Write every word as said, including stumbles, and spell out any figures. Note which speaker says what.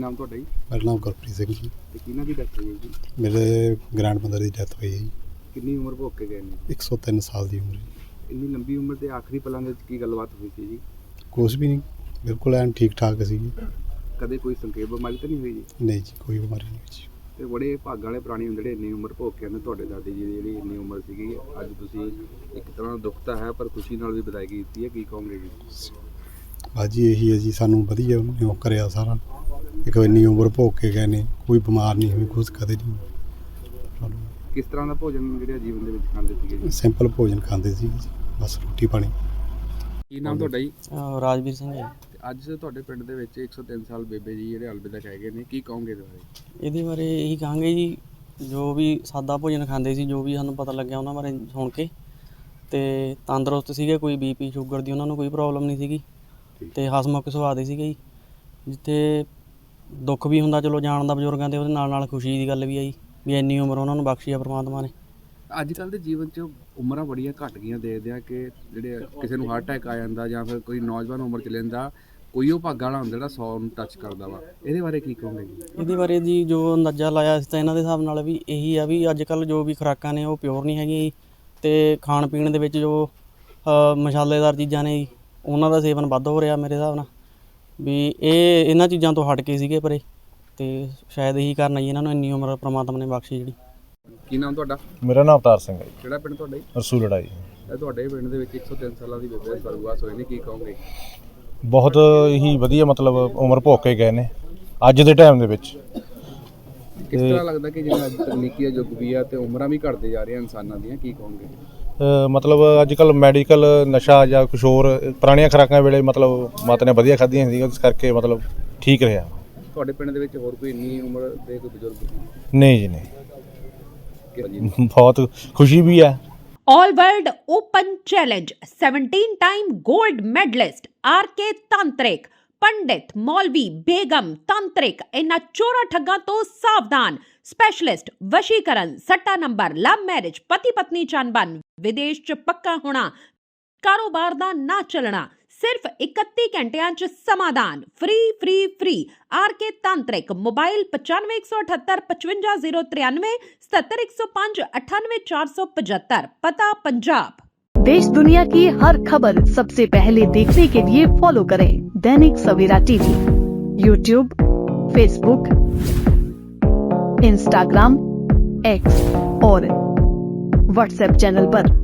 Speaker 1: नाम तुहाडा जी?
Speaker 2: मेरा नाम गुरप्रीत सिंह जी।
Speaker 1: ते किहਨਾਂ ਦੀ ਡੈਥ ਹੋਈ ਹੈ ਜੀ?
Speaker 2: मेरे ग्रैंडमदर की डेथ हुई है जी।
Speaker 1: ਕਿੰਨੀ ਉਮਰ ਭੋਗ ਕੇ ਗਏ ਨੇ?
Speaker 2: एक सौ तीन साल की उम्र जी।
Speaker 1: ਇੰਨੀ ਲੰਬੀ ਉਮਰ ਦੇ ਆਖਰੀ ਪਲਾਂ ਦੇ ਵਿੱਚ ਕੀ ਗੱਲਬਾਤ ਹੋਈ ਸੀ ਜੀ?
Speaker 2: कुछ भी नहीं, बिल्कुल एन ठीक ठाक सी जी।
Speaker 1: ਕਦੇ ਕੋਈ ਸੰਖੇਪ ਬਿਮਾਰੀ ਤਾਂ ਨਹੀਂ ਹੋਈ ਜੀ?
Speaker 2: नहीं जी, कोई बीमारी नहीं हुई जी।
Speaker 1: ਤੇ ਬੜੇ ਭਾਗਾਂ ਵਾਲੇ ਪ੍ਰਾਣੀ ਹੁੰਦੇ ਜਿਹੜੇ ਇੰਨੀ ਉਮਰ ਭੋਗ ਕੇ ਆਉਂਦੇ। ਤੁਹਾਡੇ ਦਾਦੀ ਜੀ ਦੀ ਜਿਹੜੀ ਇੰਨੀ ਉਮਰ ਸੀਗੀ, ਅੱਜ ਤੁਸੀਂ ਇੱਕ ਤਰ੍ਹਾਂ ਦਾ ਦੁੱਖ ਤਾਂ ਹੈ ਪਰ ਖੁਸ਼ੀ ਨਾਲ ਵੀ ਵਿਦਾਇਗੀ ਦਿੱਤੀ ਹੈ, ਕੀ ਕਹੋਗੇ ਜੀ?
Speaker 2: बाजी यही है जी, सानू वधिया उन्होंने वो कराया सारा। एक इन्नी उम्र भोग के गए ने, कोई बीमार नहीं हुई, कुछ कदे नहीं।
Speaker 1: ਕਿਸ ਤਰ੍ਹਾਂ ਦਾ ਭੋਜਨ ਜਿਹੜਾ ਜੀਵਨ ਦੇ ਵਿੱਚ ਖਾਂਦੇ ਸੀਗੇ ਜੀ?
Speaker 2: सिंपल भोजन खाते सी जी, बस रोटी पानी।
Speaker 1: ਕੀ ਨਾਮ ਤੁਹਾਡਾ ਜੀ?
Speaker 3: ਅਹ ਰਾਜਵੀਰ ਸਿੰਘ ਹੈ।
Speaker 1: ਤੇ ਅੱਜ ਤੁਹਾਡੇ ਪਿੰਡ ਦੇ ਵਿੱਚ ਇੱਕ ਸੌ ਤਿੰਨ ਸਾਲ ਬੇਬੇ ਜੀ ਜਿਹੜੇ ਅਲਵਿਦਾ ਕਹਿ ਗਏ ਨੇ, ਕੀ ਕਹੋਗੇ ਇਹਦੇ ਬਾਰੇ?
Speaker 3: ਇਹਦੇ ਬਾਰੇ ਇਹੀ ਕਹਾਂਗੇ ਜੀ, ਜੋ ਵੀ ਸਾਦਾ ਭੋਜਨ ਖਾਂਦੇ ਸੀ, ਜੋ ਵੀ ਸਾਨੂੰ ਪਤਾ ਲੱਗਿਆ ਉਹਨਾਂ ਬਾਰੇ ਸੁਣ ਕੇ, ਤੇ ਤੰਦਰੁਸਤ ਸੀਗੇ, ਕੋਈ ਬੀਪੀ ਸ਼ੂਗਰ ਦੀ ਉਹਨਾਂ ਨੂੰ ਕੋਈ ਪ੍ਰੋਬਲਮ ਨਹੀਂ ਸੀਗੀ, ਤੇ ਹਸਮੁਖ ਸੁਭਾਅ ਦੇ ਸੀਗੇ ਜੀ। ਜਿੱਥੇ ਦੁੱਖ ਵੀ ਹੁੰਦਾ ਚਲੋ ਜਾਣ ਦਾ ਬਜ਼ੁਰਗਾਂ ਦੇ, ਉਹਦੇ ਨਾਲ ਨਾਲ ਖੁਸ਼ੀ ਦੀ ਗੱਲ ਵੀ ਆਈ ਵੀ ਇੰਨੀ ਉਮਰ ਉਹਨਾਂ ਨੂੰ ਬਖਸ਼ੀ ਆ ਪ੍ਰਮਾਤਮਾ ਨੇ।
Speaker 1: ਅੱਜ ਕੱਲ੍ਹ ਦੇ ਜੀਵਨ 'ਚ ਉਮਰਾਂ ਬੜੀਆਂ ਘੱਟ ਗਈਆਂ, ਦੇਖਦੇ ਆ ਕਿ ਜਿਹੜੇ ਕਿਸੇ ਨੂੰ ਹਾਰਟ ਅਟੈਕ ਆ ਜਾਂਦਾ ਜਾਂ ਫਿਰ ਕੋਈ ਨੌਜਵਾਨ ਉਮਰ 'ਚ ਲੈਂਦਾ, ਕੋਈ ਉਹ ਭਾਗਾਂ ਵਾਲਾ ਹੁੰਦਾ ਜਿਹੜਾ ਸੌ ਨੂੰ ਟੱਚ ਕਰਦਾ ਵਾ। ਇਹਦੇ ਬਾਰੇ ਕੀ ਕਹੋਗੇ ਜੀ?
Speaker 3: ਇਹਦੇ ਬਾਰੇ ਜੀ ਜੋ ਅੰਦਾਜ਼ਾ ਲਾਇਆ ਸੀ ਤਾਂ ਇਹਨਾਂ ਦੇ ਹਿਸਾਬ ਨਾਲ ਵੀ ਇਹੀ ਆ ਵੀ ਅੱਜ ਕੱਲ੍ਹ ਜੋ ਵੀ ਖੁਰਾਕਾਂ ਨੇ ਉਹ ਪਿਓਰ ਨਹੀਂ ਹੈਗੀਆਂ ਜੀ, ਅਤੇ ਖਾਣ ਪੀਣ ਦੇ ਵਿੱਚ ਜੋ ਮਸਾਲੇਦਾਰ ਚੀਜ਼ਾਂ ਨੇ ਜੀ ਉਹਨਾਂ ਦਾ ਸੇਵਨ ਵੱਧ ਹੋ ਰਿਹਾ ਮੇਰੇ ਹਿਸਾਬ ਨਾਲ, ਵੀ ਇਹ ਇਹਨਾਂ ਚੀਜ਼ਾਂ ਤੋਂ ਹਟ ਕੇ ਸੀਗੇ ਪਰੇ, ਅਤੇ ਸ਼ਾਇਦ ਇਹੀ ਕਾਰਨ ਜੀ ਇਹਨਾਂ ਨੂੰ ਇੰਨੀ ਉਮਰ ਪ੍ਰਮਾਤਮਾ ਨੇ ਬਖਸ਼ੀ ਜਿਹੜੀ।
Speaker 1: ਕੀ ਨਾਮ ਤੁਹਾਡਾ?
Speaker 4: ਮੇਰਾ ਨਾਮ ਅਵਤਾਰ ਸਿੰਘ ਹੈ ਜੀ।
Speaker 1: ਕਿਹੜਾ ਪਿੰਡ ਤੁਹਾਡਾ ਜੀ?
Speaker 4: ਰਸੂਲੜਾ ਜੀ।
Speaker 1: ਇਹ ਤੁਹਾਡੇ ਪਿੰਡ ਦੇ ਵਿੱਚ ਇੱਕ ਸੌ ਤਿੰਨ ਸਾਲਾਂ ਦੀ ਬੇਬੇ ਸਰਗਵਾਸ ਹੋਏ ਨੇ, ਕੀ ਕਹੋਗੇ?
Speaker 4: ਬਹੁਤ ਹੀ ਵਧੀਆ ਮਤਲਬ ਉਮਰ ਭੋਗ ਕੇ ਗਏ ਨੇ ਅੱਜ ਦੇ ਟਾਈਮ ਦੇ ਵਿੱਚ।
Speaker 1: ਕਿਸ ਤਰ੍ਹਾਂ ਲੱਗਦਾ ਕਿ ਜਿਵੇਂ ਅੱਜ ਤਕਨੀਕੀ ਯੁੱਗ ਵੀ ਆ ਤੇ ਉਮਰਾਂ ਵੀ ਘਟਦੇ ਜਾ ਰਹੀਆਂ ਇਨਸਾਨਾਂ ਦੀਆਂ, ਕੀ ਕਹੋਗੇ?
Speaker 4: ਅ, ਮਤਲਬ ਅੱਜ ਕੱਲ੍ਹ ਮੈਡੀਕਲ ਨਸ਼ਾ ਜਾਂ ਕੁਛ ਹੋਰ ਪੁਰਾਣੀਆਂ ਖੁਰਾਕਾਂ ਵੇਲੇ ਮਤਲਬ ਮਾਤਾ ਨੇ ਵਧੀਆ ਖਾਧੀਆਂ ਸੀ, ਇਸ ਕਰਕੇ ਮਤਲਬ ਠੀਕ ਰਿਹਾ।
Speaker 1: ਤੁਹਾਡੇ ਪਿੰਡ ਦੇ ਵਿੱਚ ਹੋਰ ਕੋਈ ਇੰਨੀ ਉਮਰ ਦੇ ਕੋਈ ਬਜ਼ੁਰਗ?
Speaker 4: ਨਹੀਂ ਜੀ ਨਹੀਂ,
Speaker 1: ਕਿ-
Speaker 4: ਬਹੁਤ ਖੁਸ਼ੀ ਵੀ ਹੈ।
Speaker 5: All World Open Challenge seventeen time gold medalist R K Tantrik पंडित मौलवी बेगम तांत्रिक इन्ना चोरा ठग्गां तो सावधान। स्पेशलिस्ट वशीकरण, सट्टा नंबर, लव मैरिज, पति पत्नी चनबन, विदेश च पक्का होना, कारोबार दा ना चलना, सिर्फ इकत्ती घंटियां च समाधान। फ्री फ्री फ्री आर के तांत्रिक। मोबाइल पचानवे एक सौ अठहत्तर पचवंजा जीरो तिरानवे सत्तर एक सौ पांच अठानवे चार सौ पचहत्तर। पता पंजाब।
Speaker 6: देश दुनिया की हर खबर सबसे पहले देखने के लिए फॉलो करें Dainik Savera TV, YouTube, Facebook, Instagram, X और व्हाट्सएप चैनल पर।